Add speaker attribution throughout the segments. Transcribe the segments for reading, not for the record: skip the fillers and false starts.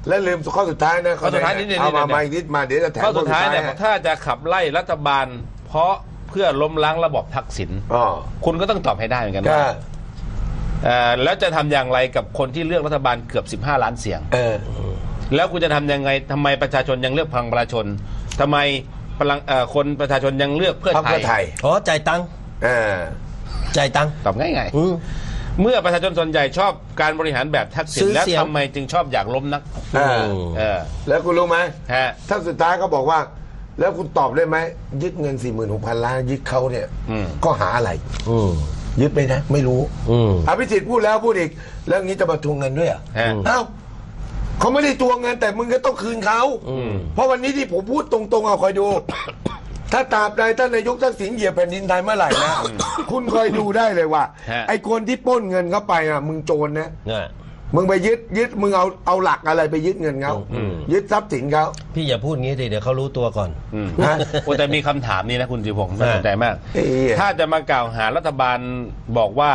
Speaker 1: และลืมข้อสุดท้ายนะ
Speaker 2: ข้อสุดท้ายนี่
Speaker 1: เอามาอีกนิดมาเดี๋ยวจะแถม
Speaker 2: ข้อสุดท้ายเนี่ยถ้าจะขับไล่รัฐบาลเพราะเพื่อล้มล้างระบอบทักษิณคุณก็ต้องตอบให้ได้เหมือนกันว่าแล้วจะทำอย่างไรกับคนที่เลือกรัฐบาลเกือบ15 ล้านเสียงแล้วคุณจะทำยังไงทำไมประชาชนยังเลือกพลังประชาชนทำไมคนประชาชนยังเลือกเพื่อไทย
Speaker 3: ใจตังใจตัง
Speaker 2: ตอบง่ายๆเมื่อประชาชนส่วนใหญ่ชอบการบริหารแบบทักษิณแล้วทำไมจึงชอบอยากล้มนัก
Speaker 1: แล้วคุณรู้ไหมถ้าสุดท้ายเขาบอกว่าแล้วคุณตอบได้ไหมยึดเงิน 46,000 ล้านยึดเขาเนี่ยก็หาอะไรยึดไปนะไม่รู้อภิสิทธิ์พูดแล้วพูดอีกแล้วงี้จะมาทวงเงินด้วยเอ้าเขาไม่ได้ทวงเงินแต่มึงก็ต้องคืนเขาเพราะวันนี้ที่ผมพูดตรงๆเอาคอยดู ถ้าตราบใดท่านนายกทักษิณเหยียบแผ่นดินไทยเมื่อไหร่นะคุณคอยดูได้เลยว่าไอ้คนที่ปล้นเงินเข้าไปอ่ะมึงโจรนะมึงไปยึดมึงเอาหลักอะไรไปยึดเงินเขายึดทรัพย์สินเขา
Speaker 3: พี่อย่าพูดงี้ดิเดี๋ยวเขารู้ตัวก่อน
Speaker 2: แต่มีคำถามนี้นะคุณจิพงศ์น่าสนใจมากถ้าจะมากล่าวหารัฐบาลบอกว่า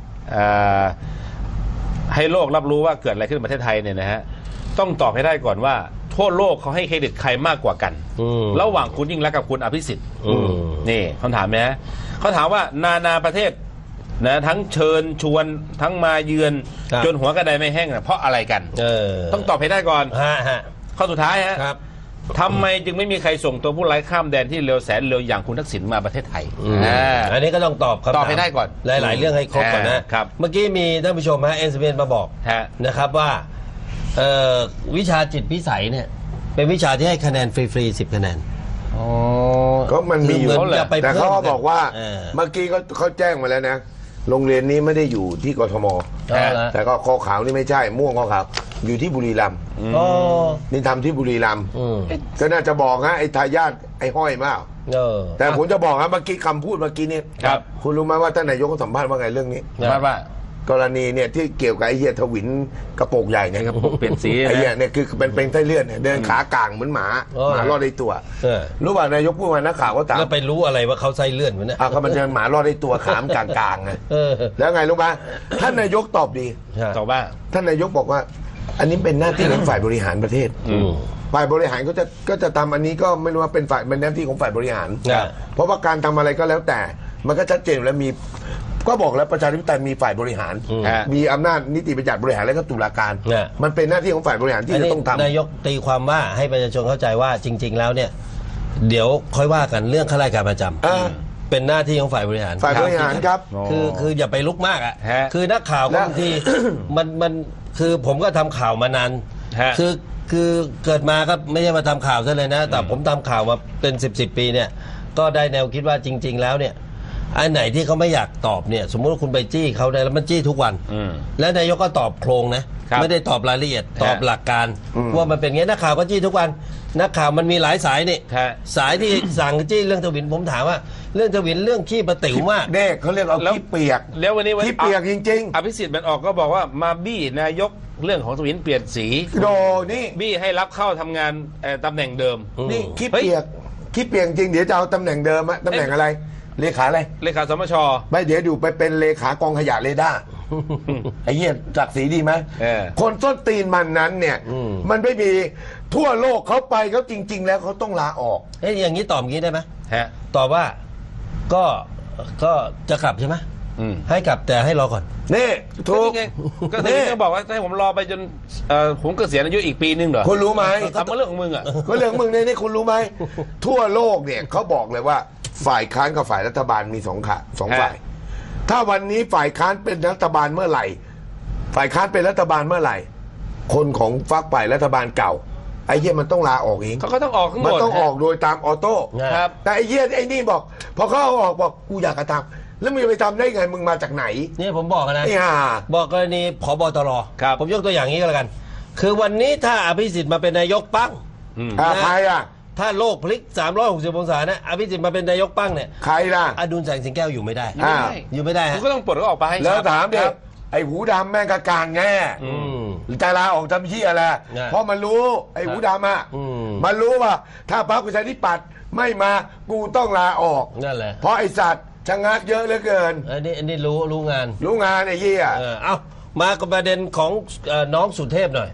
Speaker 2: ให้โลกรับรู้ว่าเกิดอะไรขึ้นในประเทศไทยเนี่ยนะฮะต้องตอบให้ได้ก่อนว่าทั่วโลกเขาให้เครดิตใครมากกว่ากันระหว่างคุณยิ่งรักษณ์กับคุณอภิสิทธิ์นี่คำถามนะเขาถามว่านาประเทศนะทั้งเชิญชวนทั้งมาเยือนจนหัวกระไดไม่แห้งนะเพราะอะไรกันต้องตอบให้ได้ก่อนข้อสุดท้ายฮะทำไมจึงไม่มีใครส่งตัวผู้ร้ายข้ามแดนที่เร็วแสนเร็วอย่างคุณทักษิณมาประเทศไทย
Speaker 3: อันนี้ก็ต้องตอบ
Speaker 2: ให้ได้ก่อน
Speaker 3: หลายๆเรื่องให้ครบก่อนนะเมื่อกี้มีท่านผู้ชมฮะSMSมาบอกนะครับว่าวิชาจิตพิสัยเนี่ยเป็นวิชาที่ให้คะแนนฟรีๆ10 คะแนน
Speaker 1: ก็มันมีอยู่แต่เขาบอกว่าเมื่อกี้เขาแจ้งมาแล้วนะโรงเรียนนี้ไม่ได้อยู่ที่กทมแต่ก็คอขาวนี่ไม่ใช่ม่วงคอขาวอยู่ที่บุรีรัมย์นี่ทำที่บุรีรัมย์ก็น่าจะบอกนะไอ้ทายาทไอ้ห้อยมากแต่ผมจะบอกนะเมื่อกี้คำพูดเมื่อกี้นี่คุณรู้ไหมว่าท่านนายกสัมภาษณ์ว่าไงเรื่องนี้
Speaker 2: ว่าก
Speaker 1: รณีเนี่ยที่เกี่ยวกับไอ้เหี้ยทวินกระโปรงใหญ่เนี่ย
Speaker 2: กระโปรงเปลี่ยนสี
Speaker 1: ไอ้เหี้ยเนี่ยคือเป็นไส้เลื่อนเนี่ยเดินขากลางเหมือนหมารอดได้ตัวรู้ป่ะนายกพูดมานักข่าวก็ถาม
Speaker 3: แล้วไปรู้อะไรว่าเขาไส้เลื่อนมันเนี่ย
Speaker 1: เขามันเดินหมารอดได้ตัวขามกลางไงแล้วไงรู้ป่ะท่านนายกตอบดี
Speaker 2: ตอบว่า
Speaker 1: ท่านนายกบอกว่าอันนี้เป็นหน้าที่ของฝ่ายบริหารประเทศฝ่ายบริหารก็จะทำอันนี้ก็ไม่รู้ว่าเป็นหน้าที่ของฝ่ายบริหารเพราะว่าการทำอะไรก็แล้วแต่มันก็ชัดเจนแล้วมีก็บอกแล้วประชาธิปไตยมีฝ่ายบริหารมีอำนาจนิติบัญญัติบริหารและก็ตุลาการมันเป็นหน้าที่ของฝ่ายบริหารที่จะต้องทำ
Speaker 3: นายกตีความว่าให้ประชาชนเข้าใจว่าจริงๆแล้วเนี่ยเดี๋ยวค่อยว่ากันเรื่องข้าราชการประจำเป็นหน้าที่ของฝ่ายบริหาร
Speaker 1: ครับ
Speaker 3: คืออย่าไปลุกมากอ่ะคือนักข่าวบางทีมันคือผมก็ทำข่าวมานานคือเกิดมาก็ไม่ใช่มาทำข่าวซะเลยนะแต่ผมทำข่าวมาเป็น10 ปีเนี่ยก็ได้แนวคิดว่าจริงๆแล้วเนี่ยอันไหนที่เขาไม่อยากตอบเนี่ยสมมติว่าคุณไปจี้เขาได้แล้วมันจี้ทุกวันแล้วนายกก็ตอบโครงนะไม่ได้ตอบรายละเอียดตอบหลักการว่ามันเป็นไงนักข่าวก็จี้ทุกวันนักข่าวมันมีหลายสายนี่สายที่สั่งจี้เรื่องทวินผมถามว่าเรื่องทวินเรื่องขี้ประติ๋วมาก
Speaker 1: เด็กเขาเรียกเอาขี้เปียก
Speaker 2: แล้ววันนี้
Speaker 1: ขี้เปียกจริง
Speaker 2: ๆอภิสิทธิ์มันออกก็บอกว่ามาบี้นายกเรื่องของทวินเปลี่ยนสี
Speaker 1: โดนี่
Speaker 2: บี้ให้รับเข้าทำงานตำแหน่งเดิม
Speaker 1: นี่ขี้เปียกจริงเดี๋ยวจะเอาตำแหน่งเดิมอะตำแหน่งอะไรเลขาอะไร
Speaker 2: เลขาสมช.
Speaker 1: ไม่เดี๋ยวดูไปเป็นเลขากองขยะเรดาร์ไอ้เหี้ยจักสีดีไหมคนส้นตีนมันนั้นเนี่ยมันไม่มีทั่วโลกเขาไปเขาจริงๆแล้วเขาต้องลาออก
Speaker 3: อย่างนี้ตอบงี้ได้ไหมตอบว่าก็จะกลับใช่ไหมให้กลับแต่ให้รอก่อน
Speaker 1: นี่ถูก
Speaker 2: ก็ถึงจะบอกว่าให้ผมรอไปจนผมเกษียณอายุอีกปีนึงเหรอ
Speaker 1: คุณรู้ไหม
Speaker 2: ทำมาเรื่องของมึงอ่ะ
Speaker 1: ก็เรื่องมึงนี่คุณรู้ไหมทั่วโลกเนี่ยเขาบอกเลยว่าฝ่ายค้านกับฝ่ายรัฐบาลมีสองฝ่ายถ้าวันนี้ฝ่ายค้านเป็นรัฐบาลเมื่อไหร่ฝ่ายค้านเป็นรัฐบาลเมื่อไหร่คนของฝักฝ่ายรัฐบาลเก่าไอ้เหี้ยมันต้องลาออกเอง
Speaker 2: เขาก็ต้องออก
Speaker 1: มันต้องออกโดยตามออโต้แต่ไอ้เหี้ยไอ้นี่บอกพอเขาออกบอกกูอยากกระทำแล้วมึงไปทำได้ไงมึงมาจากไหน
Speaker 3: นี่ผมบอกนะบอกกรณีผบ.ตร.ผมยกตัวอย่างนี้ก็แล้วกันคือวันนี้ถ้าอภิสิทธิ์มาเป็นนายกปั้ง
Speaker 1: ใครอ่ะ
Speaker 3: ถ้าโลกพลิก360 องศานะอภิสิทธิ์มาเป็นนายกปั้งเนี่ย
Speaker 1: ใครล่ะ
Speaker 3: อดุลแสงสิงแก้วอยู่ไม่ได้อยู่ไม่ได้
Speaker 2: คุณก็ต้องปลดเขาออกไป
Speaker 1: แล้วถามดิไอ้หูดำแม่งกะกางแง่จะลาออกทำเหี้ยอะไรเพราะมันรู้ไอ้หูดำอ่ะมันรู้ว่าถ้าพรรคประชาธิปัตย์ไม่มากูต้องลาออก
Speaker 3: นั่นแหละ
Speaker 1: เพราะไอ้สัตว์ชะงักเยอะเหลือเกิน
Speaker 3: อันนี้รู้งาน
Speaker 1: ไอ้เหี้ย
Speaker 3: เอามากับประเด็นของน้องสุเทพหน่อย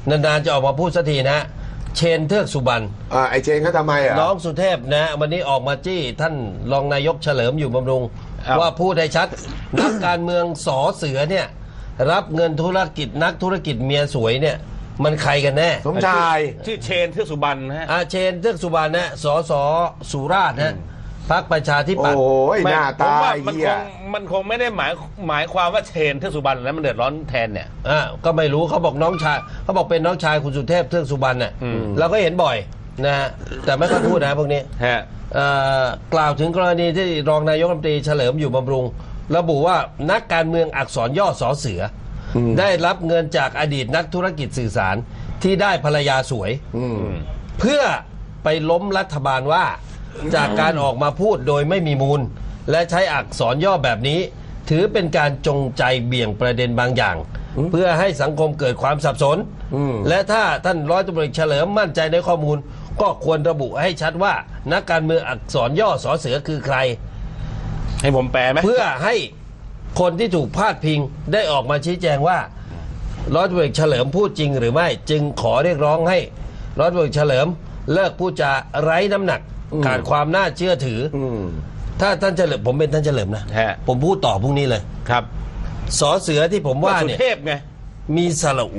Speaker 3: นานๆจะออกมาพูดสักทีนะเชนเทือกสุบรรณ
Speaker 1: ไอเชนเขาทำไมอ่ะ
Speaker 3: น้องสุเทพนะวันนี้ออกมาจี้ท่านรองนายกเฉลิมอยู่บำรุง
Speaker 2: อ้าว
Speaker 3: ว่าพูดให้ชัด นักการเมืองสอเสือเนี่ยรับเงินธุรกิจนักธุรกิจเมียสวยเนี่ยมันใครกันแน่
Speaker 1: สมชาย
Speaker 2: ชื่อเชนเทือกสุบรรณนะฮะ
Speaker 3: อาเชนเทือกสุบรรณนะสสสุราษฎร์นะพรรคประชาธิปัตย์
Speaker 1: โอ้ยหน้า
Speaker 2: ผม
Speaker 1: ตา
Speaker 2: ว่ามัน
Speaker 1: เหี้
Speaker 2: ค
Speaker 1: ย
Speaker 2: งมันคงไม่ได้หมายความว่าเชนเทือกสุบรรณแล้วมันเดือดร้อนแทนเนี่ย
Speaker 3: ก็ไม่รู้เขาบอกน้องชายเขาบอกเป็นน้องชายคุณสุเทพเทือกสุบรรณน่ะเราก็เห็นบ่อยนะฮะแต่ไม่ค่อยพูดนะพวกนี้
Speaker 2: ฮะ
Speaker 3: กล่าวถึงกรณีที่รองนายกรัฐมนตรีเฉลิมอยู่บำรุง ระบุว่านักการเมืองอักษรย่อสอเสืออได้รับเงินจากอดีตนักธุรกิจสื่อสารที่ได้ภรรยาสวยเพื่อไปล้มรัฐบาลว่าจากการออกมาพูดโดยไม่มีมูล และใช้อักษรย่อแบบนี้ ถือเป็นการจงใจเบี่ยงประเด็นบางอย่าง เพื่อให้สังคมเกิดความสับสน และถ้าท่านร้อยตำรวจเอกเฉลิมมั่นใจในข้อมูล ก็ควรระบุให้ชัดว่านักการเมืองอักษรย่อสอเสือคือใคร
Speaker 2: ให้ผมแปลไหม
Speaker 3: เพื่อให้คนที่ถูกพาดพิงได้ออกมาชี้แจงว่าร้อยตำรวจเอกเฉลิมพูดจริงหรือไม่ จึงขอเรียกร้องให้ร้อยตำรวจเอกเฉลิมเลิกพูดจาไร้น้ำหนักขาดความน่าเชื่อถือถ้าท่านเฉลิมผมเป็นท่านเฉลิมนะ
Speaker 2: ฮะ
Speaker 3: ผมพูดต่อพรุ่งนี้เลย
Speaker 2: ครับ
Speaker 3: สอเสือที่ผมว่า
Speaker 2: สุ
Speaker 3: เนี่ย
Speaker 2: เทพไง
Speaker 3: มีสระอุ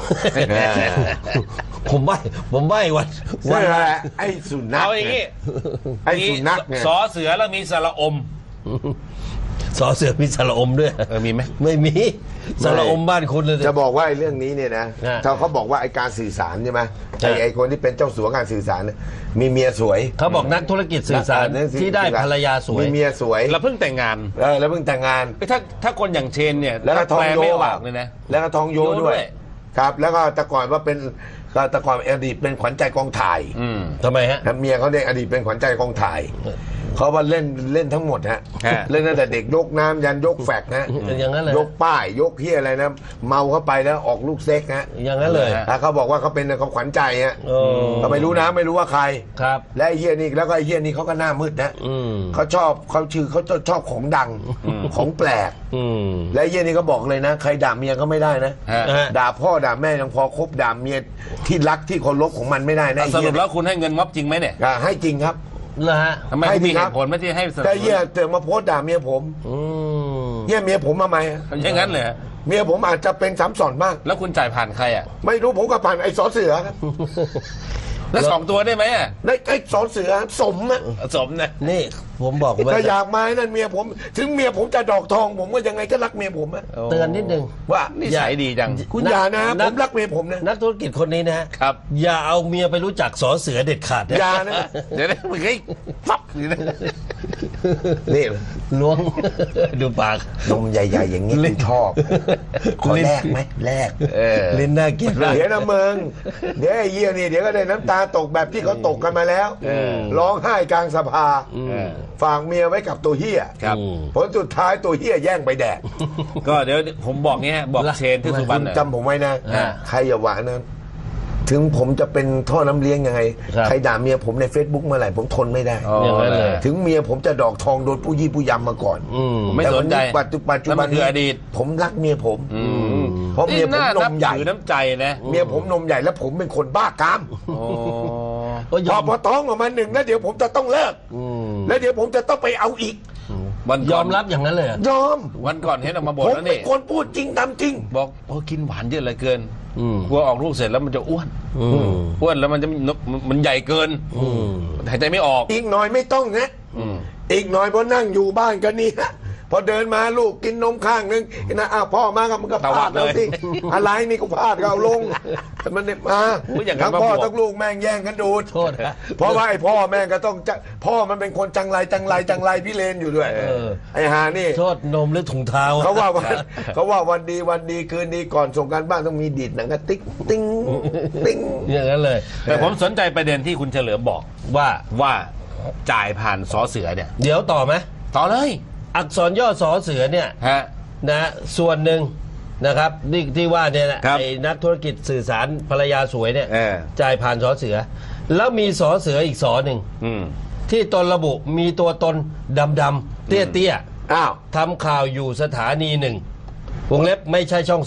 Speaker 3: ผมไม่วัน
Speaker 1: เสื้ออะไรไอ้สุนัข
Speaker 2: เอาอย่างงี้
Speaker 1: ไอ้สุนัขเนี่ย
Speaker 2: สอเสือแล้วมีสระอม
Speaker 3: สอเสือมีสระอมด้วย
Speaker 2: มีไหม
Speaker 3: ไม่มีสระอมบ้านคุณเลย
Speaker 1: จะบอกว่าไอ้เรื่องนี้เนี่ยนะ
Speaker 3: ฮะ
Speaker 1: ถ้าเขาบอกว่าไอ้การสื่อสารใช่ไหม
Speaker 3: ใช่
Speaker 1: ไอ้คนที่เป็นเจ้าสัวการสื่อสารเนี่ยมีเมียสวย
Speaker 3: เขาบอกนักธุรกิจสื่อสารที่ได้ภรรยาสวย
Speaker 1: มีเมียสวย
Speaker 2: เราเพิ่งแต่งงาน
Speaker 1: แล้วเพิ่งแต่งงาน
Speaker 2: ถ้าคนอย่างเชนเนี่ย
Speaker 1: แล้วก็ทอง
Speaker 2: แปล
Speaker 1: โย
Speaker 2: ไม่อ
Speaker 1: อ่ะ
Speaker 2: อกเลยนะ
Speaker 1: แล้วก็ทองโย
Speaker 2: โยด้
Speaker 1: ด้ว
Speaker 2: วย ย
Speaker 1: ครับ แล้วก็แต่ก่อนว่าเป็นก็แต่ก่อนอดีตเป็นขวัญใจกองถ่าย
Speaker 3: ทำไมฮะ
Speaker 1: นะเมียเขาเนี่ยอดีตเป็นขวัญใจกองถ่ายเขาว่าเล่นทั้งหมดฮะ
Speaker 2: ฮะ
Speaker 1: เล่นตั้งแต่เด็กยกน้ำยันยกแฟกนะ
Speaker 3: อย่างนั้นเลย
Speaker 1: ยกป้ายยกเฮียอะไรนะเมาเข้าไปแล้วออกลูกเซ็กฮะ
Speaker 3: อย่างนั้นเลย
Speaker 1: แล้วเขาบอกว่าเขาเป็นเขาขวัญใจฮะ
Speaker 3: โอ้
Speaker 1: เขาไม่รู้นะไม่รู้ว่าใคร
Speaker 3: ครับ
Speaker 1: และไอ้เฮียนี่แล้วก็ไอ้เฮียนี่เขาก็หน้ามืดนะ เขาชอบของดังของแปลก และไอ้เฮียนี่ก็บอกเลยนะ ใครด่าเมียก็ไม่ได้นะ
Speaker 2: ฮะ
Speaker 1: ด่าพ่อด่าแม่ยังพอคบด่าเมียที่รักที่เคารพของมันไม่ได้นะไอ้
Speaker 2: ส
Speaker 1: เฮี
Speaker 2: รุ
Speaker 1: ย
Speaker 2: ปแล้วคุณให้เงินม็อบจริงไหมเนี่ย
Speaker 1: ให้จริงครับ
Speaker 3: เหรอฮะ
Speaker 2: ทำไม
Speaker 1: ให้
Speaker 2: คุณ
Speaker 1: ดี
Speaker 2: มี
Speaker 1: ค
Speaker 2: เห
Speaker 1: รับ
Speaker 2: ตุผลไม่ที่ให้สนับส
Speaker 1: แต่
Speaker 2: นุ
Speaker 1: เฮีย
Speaker 2: น
Speaker 1: เตือนมาโพสต์ด่าเมียผม
Speaker 3: อืม
Speaker 1: เฮียเมียผมมาไหม
Speaker 2: อย่างนั้นเลยฮะ
Speaker 1: เมียผมอาจจะเป็นซ้ำซ้อนบ้าง
Speaker 2: แล้วคุณจ่ายผ่านใครอ่ะ
Speaker 1: ไม่รู้ผมก็ผ่านไอ้สอเสือครับ
Speaker 2: แล้วสองตัวได้ไหมอ่ะ
Speaker 1: ไอ้สอเสือสมนะ
Speaker 2: สมนะ
Speaker 3: นี่ผมบอกว่า
Speaker 1: ถ้าอยากมาให้นั่นเมียผม ถึงเมียผมจะดอกทอง ผมก็ยังไงก็รักเมียผมอะ
Speaker 3: เตือนนิดนึง
Speaker 1: ว่า
Speaker 2: นิสัยดีจัง
Speaker 1: คุณอย่านะผมรักเมียผมนะ
Speaker 3: นักธุรกิจคนนี้นะฮะ
Speaker 2: ครับ
Speaker 3: อย่าเอาเมียไปรู้จักสอเสือเด็ดขาดนะ
Speaker 1: อย่านะ
Speaker 2: เดี๋ยวนะมึงไอ้ฟับนี่นะ
Speaker 1: นี่
Speaker 3: ล้วง ดูปาก
Speaker 1: นมใหญ่ๆอย่างนี้คุณชอบขอแลกไหมแลก
Speaker 3: ลิ้นน่าเกลียดมาก
Speaker 1: เดี๋ยวนะมึงเดี๋ยวไอ้เยี่ยนี่เดี๋ยวก็ได้น้ำตาตกแบบที่เขาตกกันมาแล้วร้องไห้กลางสภาฝากเมียไว้กับตัวเฮีย
Speaker 2: ครับ
Speaker 1: ผลสุดท้ายตัวเฮียแย่งไปแดก
Speaker 2: ก็เดี๋ยวผมบอกงี้ฮะบอกเชนที่สุบรรณ
Speaker 1: คุณ
Speaker 2: น่ะ
Speaker 1: จำผมไว้นะ
Speaker 3: อ่า
Speaker 1: ใครอย่าหวานนะถึงผมจะเป็นท่อน้ำเลี้ยงยังไง
Speaker 3: ครับ
Speaker 1: ใครด่าเมียผมใน Facebook เมื่อไหร่ผมทนไม่ได้
Speaker 3: อย่างนั้นเลย
Speaker 1: ถึงเมียผมจะดอกทองโดนผู้ยี่ผู้ยำมาก่อน
Speaker 2: ผมไม่สนใจ
Speaker 1: แต่วันนี้ปัจจุบัน
Speaker 2: นั่นมันคืออดีต
Speaker 1: ผมรักเมียผม เพราะเมียผม
Speaker 2: น่าน นับ
Speaker 1: มใหญ่
Speaker 2: ถือน้ำใจนะ
Speaker 1: เมียผมนมใหญ่แล้วผมเป็นคนบ้ากาม
Speaker 2: โอ้
Speaker 3: ก็ย
Speaker 1: พ
Speaker 3: อ
Speaker 1: อ
Speaker 3: ม
Speaker 1: พอท้องออกมาหนึ่งแล้วเดี๋ยวผมจะต้องเลิกแล้วเดี๋ยวผมจะต้องไปเอาอีก
Speaker 2: วัน
Speaker 3: ย
Speaker 2: ก่
Speaker 3: อน มรับอย่างนั้นเลยเหรอย
Speaker 1: อม
Speaker 2: วันก่อนเห็นออกมาบ่
Speaker 1: ผ
Speaker 2: น
Speaker 1: ม
Speaker 2: แล้ว
Speaker 1: เป็
Speaker 2: นี่
Speaker 1: นคนพูดจริงทำจริง
Speaker 2: บอกโอ้กินหวานเยอะเหลือเกินกลัวออกลูกเสร็จแล้วมันจะอ้วนอ้วนแล้วมันจะมันใหญ่เกินหายใจไม่ออก
Speaker 1: อีกหน่อยไม่ต้องนะอีกหน่อยพอนั่งอยู่บ้านกันนี่ฮะพอเดินมาลูกกินนมข้างนึงนะอ้าวพ่อมาก็มันก็
Speaker 2: ตวั
Speaker 1: พา
Speaker 2: ด
Speaker 1: ด
Speaker 2: เลย
Speaker 1: แล้วสิอะไรนี่ก็พาดก็เอาลงมันเนี่ยมา
Speaker 2: อุ๊ยอย่างนั้น
Speaker 1: ทั้งพ่อ
Speaker 2: มาบวก
Speaker 1: ทั้งลูกแม่งแย่งกันดูด
Speaker 3: โทษนะ
Speaker 1: เพราะว่าไอ้พ่อแม่งก็ต้องจะพ่อมันเป็นคนจังไรพี่เลนอยู่ด้วยไอ้หานี่
Speaker 3: โทษนมหรือถุงเท้า
Speaker 1: เขาว่าวันดีคืนดีก่อนส่งการบ้านต้องมีดีดหนังกระติ๊กติ้งติ้ง
Speaker 3: อย่างนั้นเลย
Speaker 2: แต่ผมสนใจประเด็นที่คุณเฉลิมบอก
Speaker 3: ว่า
Speaker 2: จ่ายผ่านสอเสือเนี่ย
Speaker 3: เดี๋ยวต่อไหม
Speaker 2: ต่อเลย
Speaker 3: อักษรย่อสอเสือเนี่ย
Speaker 2: ฮะ
Speaker 3: นะส่วนหนึ่งนะครับนี่ที่ว่าเนี่ยนะครับ ไอ้นักธุรกิจสื่อสารภรรยาสวยเนี่ย จ่ายผ่านสอเสือ แล้วมีสอเสืออีกสอหนึ่งที่ตนระบุมีตัวตนดำๆเตี้ย
Speaker 1: อ้าว
Speaker 3: ๆทำข่าวอยู่สถานีหนึ่งวงเล็บไม่ใช่ช่องสี่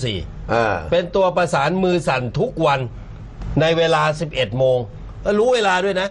Speaker 3: เป็นตัวประสานมือสั่นทุกวันในเวลา 11 โมงรู้เวลาด้วยนะ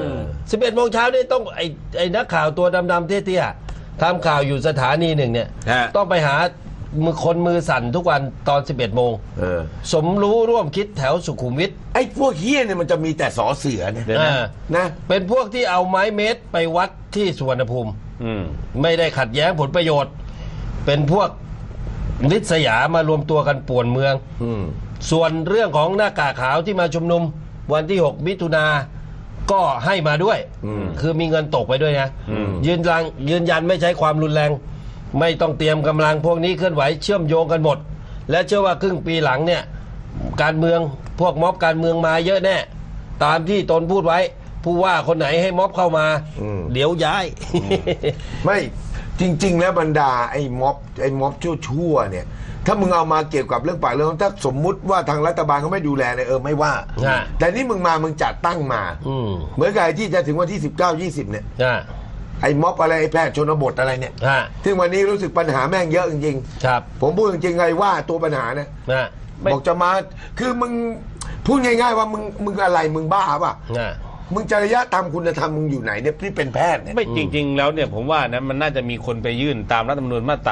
Speaker 3: 11 โมงเช้านี่ต้องไอ้นักข่าวตัวดำๆเตี้ยๆทำข่าวอยู่สถานีหนึ่งเนี่ยต้องไปหาคนมือสั่นทุกวันตอน 11 โมงสมรู้ร่วมคิดแถวสุขุมวิท
Speaker 1: ไอ้พวกเฮี้ยเนี่ยมันจะมีแต่สอเสือเนี่ยนะ
Speaker 3: เป็นพวกที่เอาไม้เมตรไปวัดที่สุวรรณภูมิไม่ได้ขัดแย้งผลประโยชน์เป็นพวกลิษยามารวมตัวกันป่วนเมืองส่วนเรื่องของหน้ากากขาวที่มาชุมนุมวันที่ 6 มิถุนาก็ให้มาด้วยคือมีเงินตกไปด้วยนะยืนยันไม่ใช้ความรุนแรงไม่ต้องเตรียมกำลังพวกนี้เคลื่อนไหวเชื่อมโยงกันหมดและเชื่อว่าครึ่งปีหลังเนี่ยการเมืองพวกม็อบการเมืองมาเยอะแน่ตามที่ตนพูดไว้ผู้ว่าคนไหนให้ม็อบเข้ามาเดี๋ยวย้าย
Speaker 1: ไม่จริงๆแล้วบรรดาไอ้ม็อบชั่วๆเนี่ยถ้ามึงเอามาเกี่ยวกับเรื่องปากเรื่องถ้าสมมุติว่าทางรัฐบาลเขาไม่ดูแลเนี่ยไม่ว่าแต่นี่มึงจัดตั้งมาเหมือนกับไอ้ที่จะถึงวันที่19-20เนี่ยไอ้ม็อบอะไรไอ้แพทย์ชนบทอะไรเนี่ยซึ่งวันนี้รู้สึกปัญหาแม่งเยอะจริงๆครับผมพูดจริงๆไงว่าตัวปัญหานะบอกจะมาคือมึงพูดง่ายๆว่ามึงอะไรมึงบ้าป่ะมึงจริยธรรมคุณธรรมมึงอยู่ไหนเนี่ยที่เป็นแพทย์เนี่ย
Speaker 2: ไม่จริงๆแล้วเนี่ยผมว่านะมันน่าจะมีคนไปยื่นตามรัฐธรรมนูญมาตรา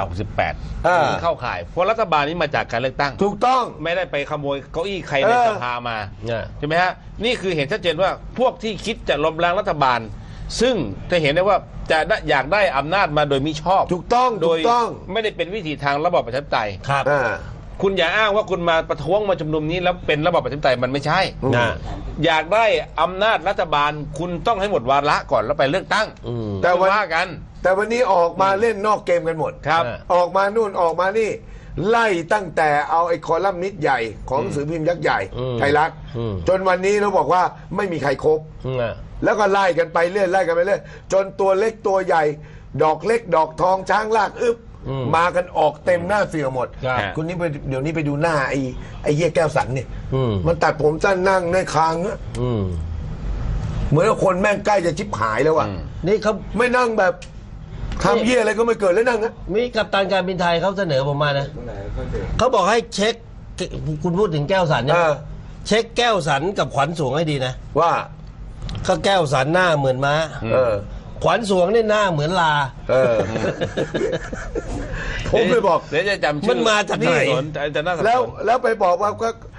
Speaker 2: 68เข้าข่ายเพราะรัฐบาลนี้มาจากการเลือกตั้ง
Speaker 1: ถูกต้อง
Speaker 2: ไม่ได้ไปขโมยเก้าอี้ใครในสภามาใช่ไหมฮะนี่คือเห็นชัดเจนว่าพวกที่คิดจะล้มล้างรัฐบาลซึ่งจะเห็นได้ว่าจะอยากได้อำนาจมาโดยมิชอบ
Speaker 1: ถูกต้อง
Speaker 2: โดยไม่ได้เป็นวิธีทางระบอบประชาธิปไตย
Speaker 3: ครับ
Speaker 2: คุณอย่าอ้างว่าคุณมาประท้วงมาชุมนุมนี้แล้วเป็นระบอบประชาธิปไตยมันไม่ใช่อยากได้อำนาจรัฐบาลคุณต้องให้หมดวาระก่อนแล้วไปเลือกตั้ง
Speaker 1: แต่
Speaker 2: ว่ากัน
Speaker 1: แต่วันนี้ออกมาเล่นนอกเกมกันหมด
Speaker 2: ครับ
Speaker 1: ออกมานู่นออกมานี่ไล่ตั้งแต่เอาไอ้คอลัมนิสต์ใหญ่ของหนังสือพิมพ์ยักษ์ใหญ่ไทยรัฐจนวันนี้เราบอกว่าไม่มีใครครบแล้วก็ไล่กันไปเรื่อยไล่กันไปเรื่อยจนตัวเล็กตัวใหญ่ดอกเล็กดอกทองช้างลากอึบมากันออกเต็มหน้าเสือหมดคุณนี่เดี๋ยวนี้ไปดูหน้าไอ้เหี้ยแก้วสันเนี่ยมันตัดผมสั้นนั่งในคางอะเหมือนว่าคนแม่งใกล้จะชิบหายแล้วอ่ะ
Speaker 3: นี่เขา
Speaker 1: ไม่นั่งแบบทำเหี้ยอะไรก็ไม่เกิดแล้วนั่งอะ
Speaker 3: มีกัปตันการบินไทยเขาเสนอผมมานะเขาบอกให้เช็คคุณพูดถึงแก้วสันเนี่ยเช็คแก้วสันกับขวัญสวงให้ดีนะ
Speaker 1: ว่า
Speaker 3: ก็แก้วสันหน้าเหมือนม้าขวัญสวงเนี่ยหน้าเหมือนลา
Speaker 1: ผมไปบอก
Speaker 2: เดี๋ยวจะจำชื่อ
Speaker 3: มันมาจากไหน
Speaker 1: แล้วไปบอกว่า